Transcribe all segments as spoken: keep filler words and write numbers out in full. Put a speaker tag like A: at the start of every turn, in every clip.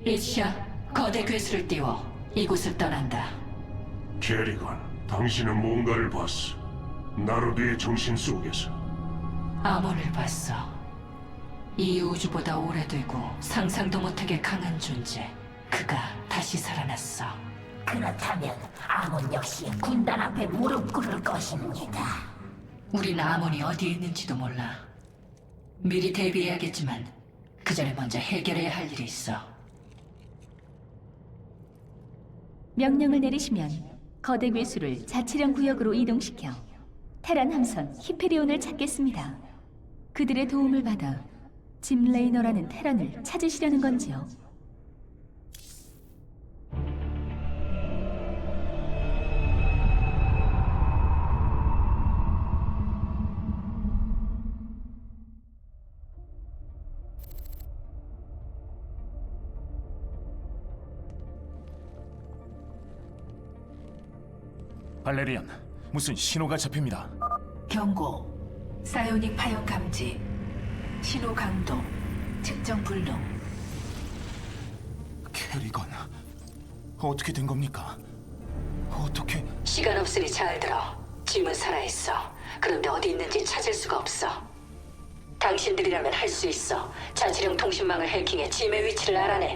A: 이시야, 거대 괴수를 띄워 이곳을 떠난다.
B: 캐리건, 당신은 뭔가를 봤어. 나로드의 정신 속에서.
A: 아몬을 봤어. 이 우주보다 오래되고 상상도 못하게 강한 존재. 그가 다시 살아났어.
C: 그렇다면 아몬 역시 군단 앞에 무릎 꿇을 것입니다.
A: 우린 아몬이 어디에 있는지도 몰라. 미리 대비해야겠지만 그 전에 먼저 해결해야 할 일이 있어.
D: 명령을 내리시면 거대 괴수를 자치령 구역으로 이동시켜 테란 함선 히페리온을 찾겠습니다. 그들의 도움을 받아 짐 레이너라는 테란을 찾으시려는 건지요?
E: 발레리안, 무슨 신호가 잡힙니다.
A: 경고. 사이오닉 파형 감지. 신호 강도. 측정 불능.
E: 캐리건, 어떻게 된 겁니까? 어떻게...
A: 시간 없으니 잘 들어. 짐은 살아있어. 그런데 어디 있는지 찾을 수가 없어. 당신들이라면 할 수 있어. 자치령 통신망을 해킹해 짐의 위치를 알아내.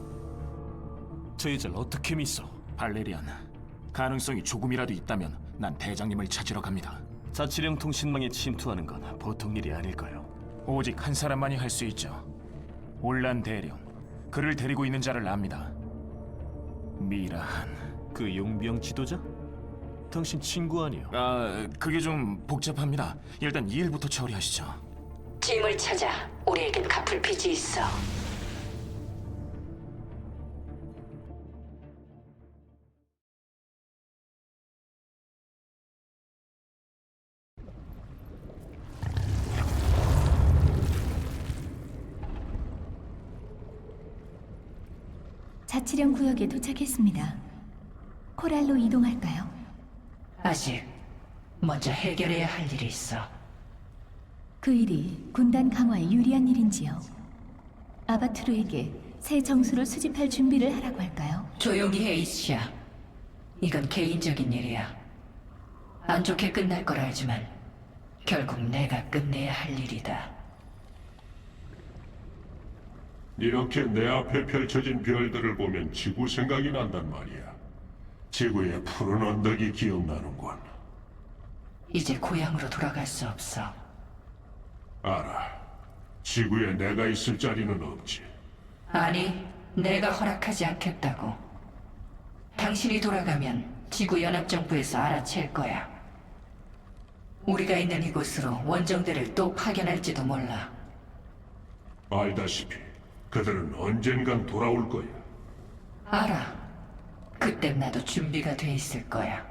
E: 저희들 어떻게 믿어? 발레리안, 가능성이 조금이라도 있다면 난 대장님을 찾으러 갑니다.
F: 자치령 통신망에 침투하는 건 보통 일이 아닐까요?
E: 오직 한 사람만이 할 수 있죠. 올란 대령, 그를 데리고 있는 자를 압니다. 미라한.
F: 그 용병 지도자? 당신 친구 아니요?
E: 아, 그게 좀 복잡합니다. 일단 이 일부터 처리하시죠.
A: 짐을 찾아. 우리에겐 갚을 빚이 있어.
D: 자치령 구역에 도착했습니다. 코랄로 이동할까요?
A: 아직 먼저 해결해야 할 일이 있어.
D: 그 일이 군단 강화에 유리한 일인지요? 아바투르에게 새 정수를 수집할 준비를 하라고 할까요?
A: 조용히 해, 이시야. 이건 개인적인 일이야. 안 좋게 끝날 걸 알지만 결국 내가 끝내야 할 일이다.
B: 이렇게 내 앞에 펼쳐진 별들을 보면 지구 생각이 난단 말이야. 지구의 푸른 언덕이 기억나는군.
A: 이제 고향으로 돌아갈 수 없어.
B: 알아. 지구에 내가 있을 자리는 없지.
A: 아니, 내가 허락하지 않겠다고. 당신이 돌아가면 지구연합정부에서 알아챌 거야. 우리가 있는 이곳으로 원정대를 또 파견할지도 몰라.
B: 알다시피 그들은 언젠간 돌아올 거야.
A: 알아. 그땐 나도 준비가 돼 있을 거야.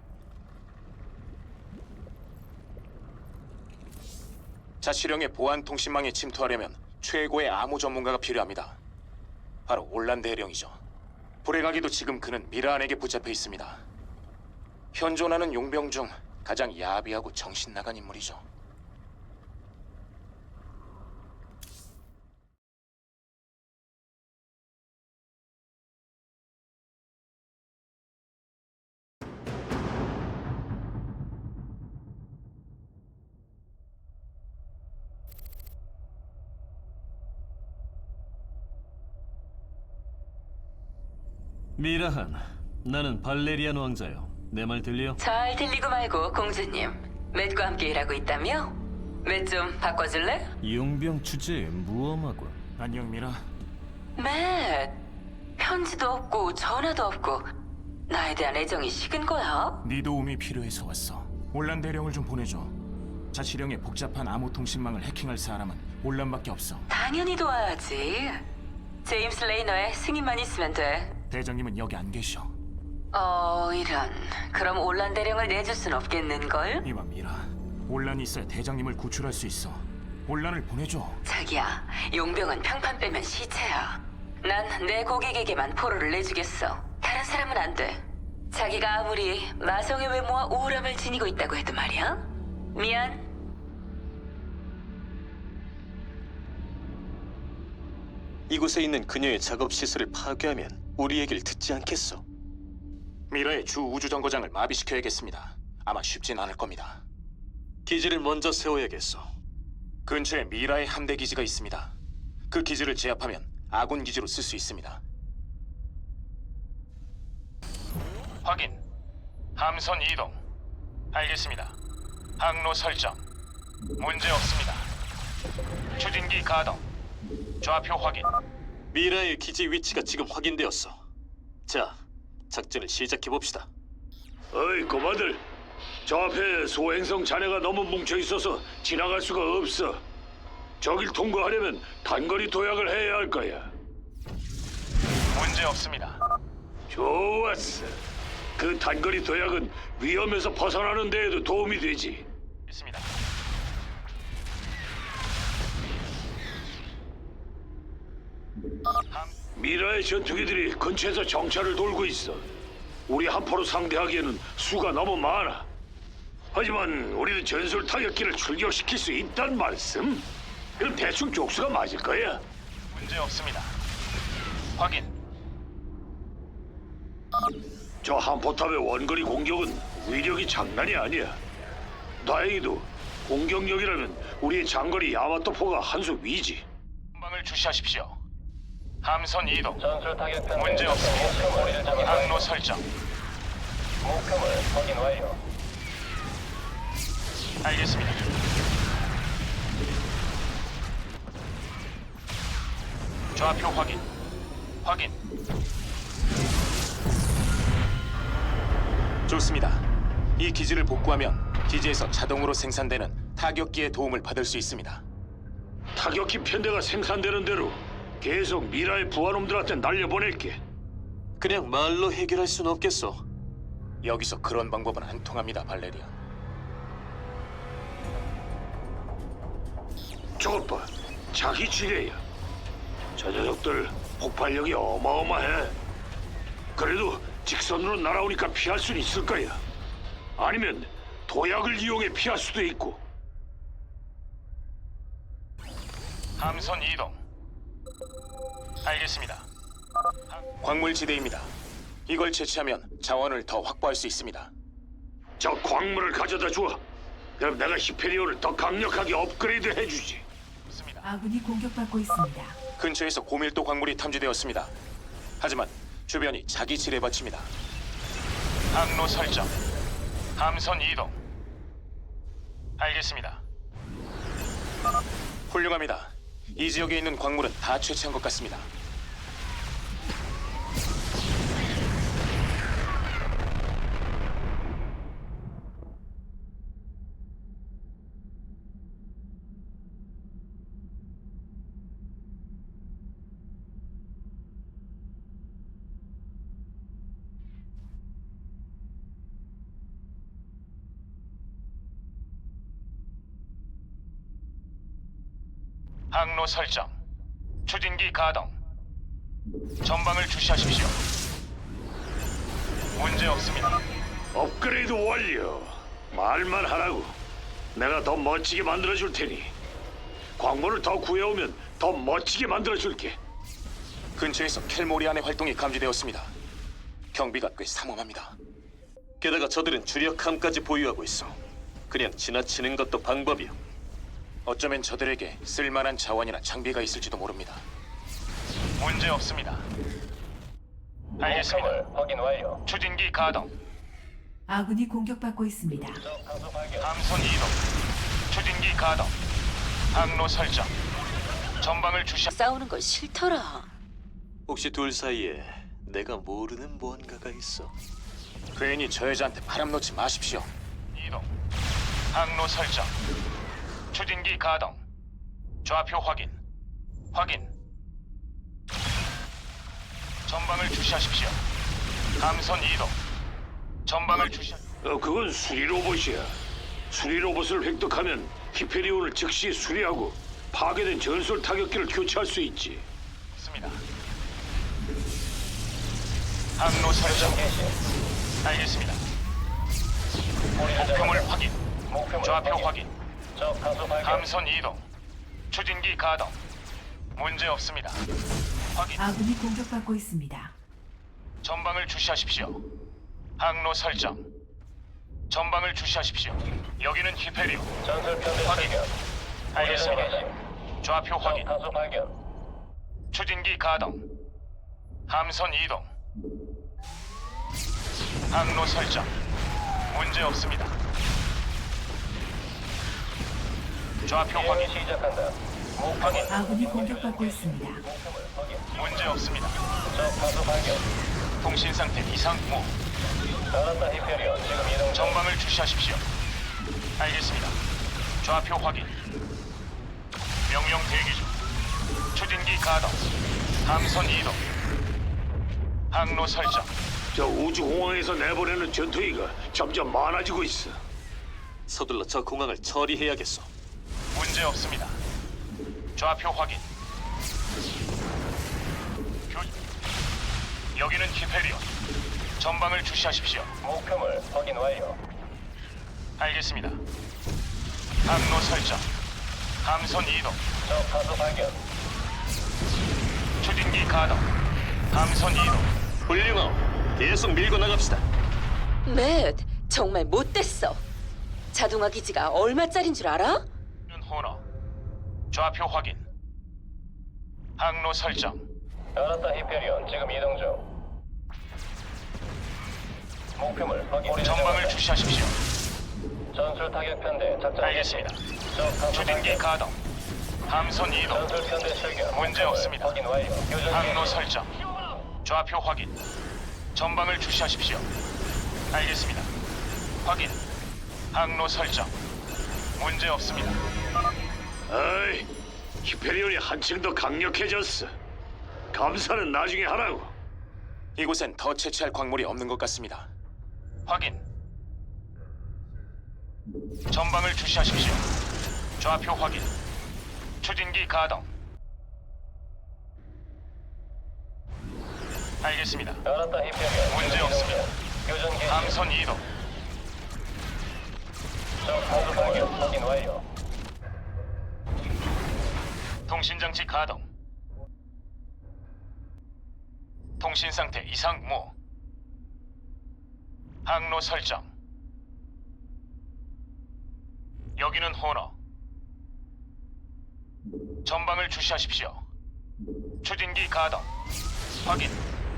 E: 자치령의 보안 통신망에 침투하려면 최고의 암호 전문가가 필요합니다. 바로 올란 대령이죠. 불에 가기도 지금 그는 미라안에게 붙잡혀 있습니다. 현존하는 용병 중 가장 야비하고 정신 나간 인물이죠.
F: 미라한, 나는 발레리안 왕자요. 내 말 들려?
G: 잘 들리고 말고 공주님. 맷과 함께 일하고 있다며? 맷 좀 바꿔줄래?
F: 용병 주제에 무엄하군.
E: 안녕 미라.
G: 맷, 편지도 없고 전화도 없고 나에 대한 애정이 식은 거야?
E: 네 도움이 필요해서 왔어. 올란 대령을 좀 보내줘. 자치령의 복잡한 암호 통신망을 해킹할 사람은 올란밖에 없어.
G: 당연히 도와야지. 제임스 레이너의 승인만 있으면 돼.
E: 대장님은 여기 안 계셔.
G: 어, 이런. 그럼 올란 대령을 내줄 순 없겠는걸?
E: 이봐 미라, 올란이 있어야 대장님을 구출할 수 있어. 올란을 보내줘.
G: 자기야, 용병은 평판 빼면 시체야. 난 내 고객에게만 포로를 내주겠어. 다른 사람은 안 돼. 자기가 아무리 마성의 외모와 우울함을 지니고 있다고 해도 말이야. 미안.
F: 이곳에 있는 그녀의 작업 시설을 파괴하면 우리 얘기를 듣지 않겠어.
E: 미라의 주 우주정거장을 마비시켜야겠습니다. 아마 쉽진 않을 겁니다.
F: 기지를 먼저 세워야겠어.
E: 근처에 미라의 함대 기지가 있습니다. 그 기지를 제압하면 아군 기지로 쓸 수 있습니다. 확인. 함선 이동. 알겠습니다. 항로 설정. 문제 없습니다. 추진기 가동. 좌표 확인.
F: 미라의 기지 위치가 지금 확인되었어. 자, 작전을 시작해 봅시다.
H: 어이 고마들, 저 앞에 소행성 잔해가 너무 뭉쳐 있어서 지나갈 수가 없어. 저길 통과하려면 단거리 도약을 해야 할 거야.
E: 문제 없습니다.
H: 좋았어. 그 단거리 도약은 위험에서 벗어나는 데에도 도움이 되지.
E: 있습니다.
H: 미라의 전투기들이 근처에서 정찰을 돌고 있어. 우리 한포로 상대하기에는 수가 너무 많아. 하지만 우리는 전술 타격기를 출격시킬 수 있단 말씀? 그럼 대충 족수가 맞을 거야.
E: 문제 없습니다. 확인.
H: 저 한포탑의 원거리 공격은 위력이 장난이 아니야. 다행히도 공격력이라면 우리의 장거리 야마토포가 한 수 위지.
E: 방을 주시하십시오. 함선 이동. 문제 없습니다. 항로 설정. 목표물 확인 완료. 알겠습니다. 좌표 확인. 확인. 좋습니다. 이 기지를 복구하면 기지에서 자동으로 생산되는 타격기의 도움을 받을 수 있습니다.
H: 타격기 편대가 생산되는 대로 계속 미라의 부하놈들한테 날려보낼게.
F: 그냥 말로 해결할 순 없겠어.
E: 여기서 그런 방법은 안 통합니다, 발레리아.
H: 저것 봐, 자기 지뢰야. 저 녀석들 폭발력이 어마어마해. 그래도 직선으로 날아오니까 피할 수는 있을 거야. 아니면 도약을 이용해 피할 수도 있고.
E: 함선 이동. 알겠습니다. 광물지대입니다. 이걸 채취하면 자원을 더 확보할 수 있습니다.
H: 저 광물을 가져다 줘. 그럼 내가 히페리온을 더 강력하게 업그레이드 해주지.
E: 좋습니다.
I: 아군이 공격받고 있습니다.
E: 근처에서 고밀도 광물이 탐지되었습니다. 하지만 주변이 자기 지뢰밭입니다. 항로 설정. 함선 이동. 알겠습니다. 훌륭합니다. 이 지역에 있는 광물은 다 채취한 것 같습니다. 항로 설정. 추진기 가동. 전방을 주시하십시오. 문제 없습니다.
H: 업그레이드 완료. 말만 하라고. 내가 더 멋지게 만들어줄 테니. 광물을 더 구해오면 더 멋지게 만들어줄게.
E: 근처에서 켈모리안의 활동이 감지되었습니다. 경비가 꽤 삼엄합니다.
F: 게다가 저들은 주력함까지 보유하고 있어. 그냥 지나치는 것도 방법이야.
E: 어쩌면 저들에게 쓸만한 자원이나 장비가 있을지도 모릅니다. 문제 없습니다. 알겠습니다. 확인 완료. 추진기 가동.
I: 아군이 공격받고 있습니다.
E: 함선 이동. 추진기 가동. 항로 설정. 전방을 주시.
G: 싸우는 건 싫더라.
F: 혹시 둘 사이에 내가 모르는 무언가가 있어?
E: 괜히 저 여자한테 바람 놓지 마십시오. 이동. 항로 설정. 추진기 가동. 좌표 확인. 확인. 전방을 주시하십시오. 함선 이동. 전방을 주시.
H: 어, 그건 수리 로봇이야. 수리 로봇을 획득하면 히페리온을 즉시 수리하고 파괴된 전술 타격기를 교체할 수 있지.
E: 있습니다. 항로 설정. 알겠습니다. 목표물 확인. 좌표 확인. 함선 이동. 추진기 가동. 문제 없습니다. 확인.
I: 아군이 공격받고 있습니다.
E: 전방을 주시하십시오. 항로 설정. 전방을 주시하십시오. 여기는 히페리오. 확인. 알겠습니다. 좌표 확인. 추진기 가동. 함선 이동. 항로 설정. 문제 없습니다. 좌표 확인. 확인.
I: 아군이 공격받고 있습니다.
E: 문제 없습니다. 통신 상태 이상 무. 전방을 주시하십시오. 알겠습니다. 좌표 확인. 명령 대기 중. 추진기 가동. 함선 이동. 항로 설정.
H: 저 우주공항에서 내보내는 전투기가 점점 많아지고 있어.
F: 서둘러 저 공항을 처리해야겠소.
E: 문제 없습니다. 좌표 확인. 교... 여기는 히페리온. 전방을 주시하십시오.
J: 목표물 확인 완료.
E: 알겠습니다. 항로 설정. 함선 이동.
J: 적 다수 발견.
E: 추진기 가동. 함선 이동.
F: 훌륭하오. 계속 밀고 나갑시다.
G: 맷, 정말 못됐어. 자동화 기지가 얼마짜린 줄 알아?
E: 호너. 좌표 확인. 항로 설정.
J: 알았다 히페리온 지금 이동 중. 목표물 확인.
E: 전방을 주시하십시오.
J: 전술 타격 편대 작전.
E: 알겠습니다.
J: 적 다수
E: 추진기
J: 발견.
E: 가동. 함선 이동.
J: 전술 편대 출격.
E: 문제 없습니다.
J: 확인 완료. 교전
E: 항로
J: 개시.
E: 설정. 좌표 확인. 전방을 주시하십시오. 알겠습니다. 확인. 항로 설정. 문제 없습니다.
H: 어이, 히페리온이 한층 더 강력해졌어. 감사는 나중에 하라고.
E: 이곳엔 더 채취할 광물이 없는 것 같습니다. 확인. 전방을 주시하십시오. 좌표 확인. 추진기 가동. 알겠습니다.
J: 알았다 히페리온.
E: 문제 없습니다.
J: 교전 개시.
E: 함선 이동.
J: 적 다수 발견. 확인 완료.
E: 통신장치 가동. 통신 상태 이상 무. 항로 설정. 여기는 호너. 전방을 주시하십시오. 추진기 가동. 확인.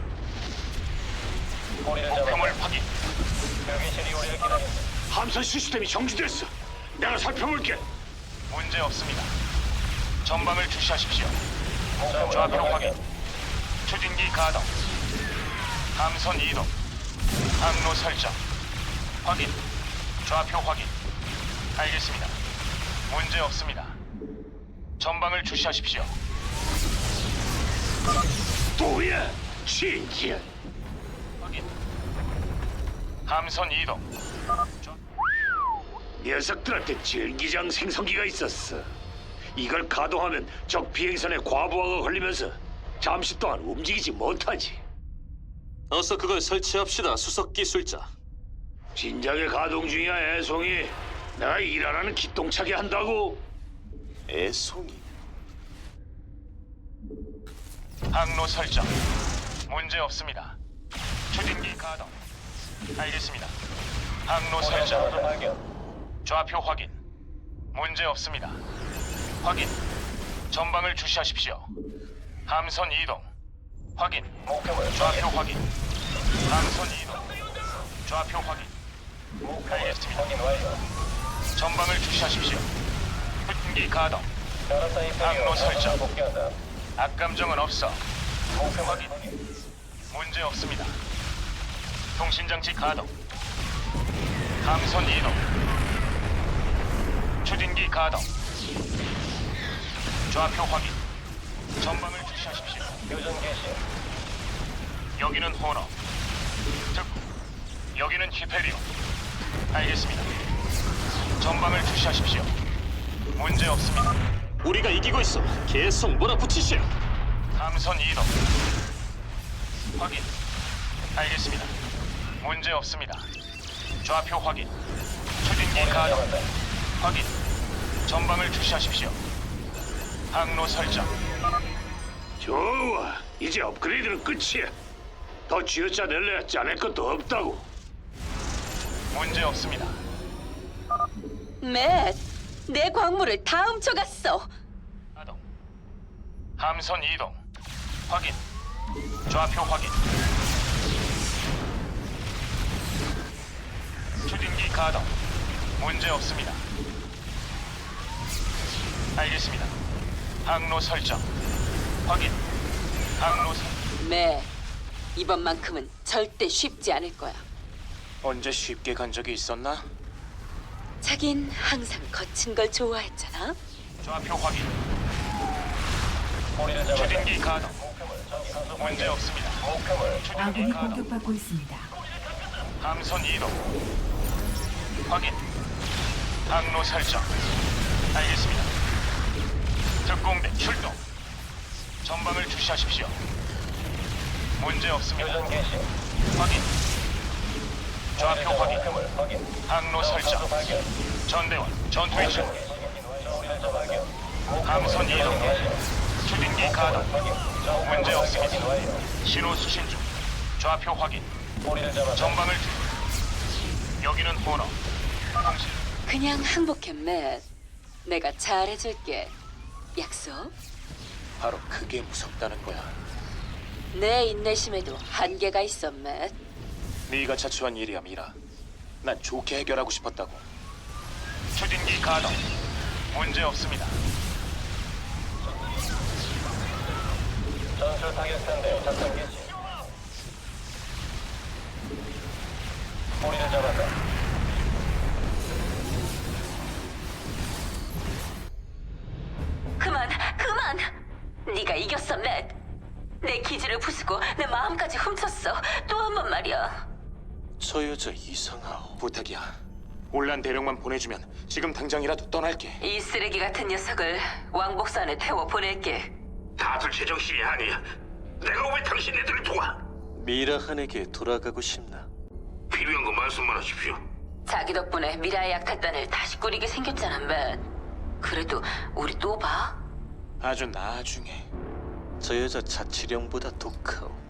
J: 꼬리를 잡아.
E: 목표물 확인.
J: 교기실이 우리를 기다린다.
H: 함선 시스템이 정지됐어. 내가 살펴볼게.
E: 문제 없습니다. 전방을 주시하십시오.
J: 목표물
E: 좌표 확인.
J: 확인.
E: 추진기 가동. 함선 이동. 항로 설정. 확인. 좌표 확인. 알겠습니다. 문제 없습니다. 전방을 주시하십시오.
H: 뭐야? 진짜.
E: 확인. 함선 이동.
H: 녀석들한테 전기장 생성기가 있었어. 이걸 가동하면 적 비행선에 과부하가 걸리면서 잠시 동안 움직이지 못하지.
F: 어서 그걸 설치합시다, 수석 기술자.
H: 진작에 가동 중이야, 애송이. 내가 일하라는 기똥차게 한다고.
E: 애송이. 항로 설정. 문제 없습니다. 추진기 가동. 알겠습니다. 항로
J: 다수
E: 설정.
J: 발견.
E: 좌표 확인. 문제 없습니다. 확인. 전방을 주시하십시오. 함선 이동. 확인.
J: 목표물
E: 좌표 확인. 함선 이동. 좌표 확인.
J: 목표물
E: 알겠습니다.
J: 확인 완료.
E: 전방을 주시하십시오. 흑기 가동.
J: 알았다 히페리온.
E: 항로 설정.
J: 복귀한다.
E: 악감정은 없어.
J: 목표물
E: 확인. 문제 없습니다. 통신장치 가동. 함선 이동. 추진기 가동. 좌표 확인. 전방을 주시하십시오.
J: 교전 개시.
E: 여기는 호너. 즉, 여기는 히페리오. 알겠습니다. 전방을 주시하십시오. 문제 없습니다.
F: 우리가 이기고 있어. 계속 몰아붙이시오.
E: 함선 이동. 확인. 알겠습니다. 문제 없습니다. 좌표 확인. 추진기 가동. 확인. 전방을 주시하십시오. 항로 설정.
H: 좋아. 이제 업그레이드는 끝이야. 더 쥐어짜낼래야 짜낼 것도 없다고.
E: 문제 없습니다.
G: 맷, 내 광물을 다 훔쳐갔어.
E: 가동. 함선 이동. 확인. 좌표 확인. 추진기 가동. 문제 없습니다. 알겠습니다. 항로 설정. 확인. 항로 설.
G: 맷, 이번만큼은 절대 쉽지 않을 거야.
E: 언제 쉽게 간 적이 있었나?
G: 자긴 항상 거친 걸 좋아했잖아.
E: 좌표 확인.
J: 우리를 잡았다.
E: 추진기 가동.
J: 목표물 전기 선수
E: 문제 없습니다.
J: 목표물
E: 추진기
I: 아군이
E: 가동.
I: 공격받고 있습니다.
E: 함선 이동. 확인. 항로 설정. 알겠습니다. 특공대 출동. 전방을 주시하십시오. 문제 없습니다.
J: 교전 개시.
E: 확인. 좌표 확인.
J: 목표물 확인.
E: 항로 설정.
J: 선수 발견.
E: 전대원 전투 위치.
J: 우리를 잡아 발견.
E: 함선 이동. 추진기 가동. 문제 없습니다.
J: 확인 완료.
E: 신호 수신 중. 좌표 확인.
J: 우리를 잡아
E: 전방을 주. 여기는 호너. 당신.
G: 그냥 항복해, 맷. 내가 잘해줄게. 약속?
E: 바로 그게 무섭다는 거야.
G: 내 인내심에도 한계가 있어, 맷.
E: 네가 자초한 일이야, 미라. 난 좋게 해결하고 싶었다고. 추진기 가동. 문제 없습니다.
J: 전술 타격 상대 작전 개시. 우리를 잡았다.
G: 그만, 그만! 네가 이겼어, 맷. 내 기지를 부수고 내 마음까지 훔쳤어. 또 한 번 말이야.
E: 저 여자 이상하오. 부탁이야. 올란 대령만 보내주면 지금 당장이라도 떠날게.
G: 이 쓰레기 같은 녀석을 왕복선에 태워 보낼게.
H: 다들 제정신이 아니야. 내가 왜 당신네들을 도와?
F: 미라한에게 돌아가고 싶나?
H: 필요한 거 말씀만 하십시오.
G: 자기 덕분에 미라의 약탈단을 다시 꾸리게 생겼잖아, 맷. 그래도 우리 또 봐?
E: 아주 나중에.
F: 저 여자 자치령보다 독하오.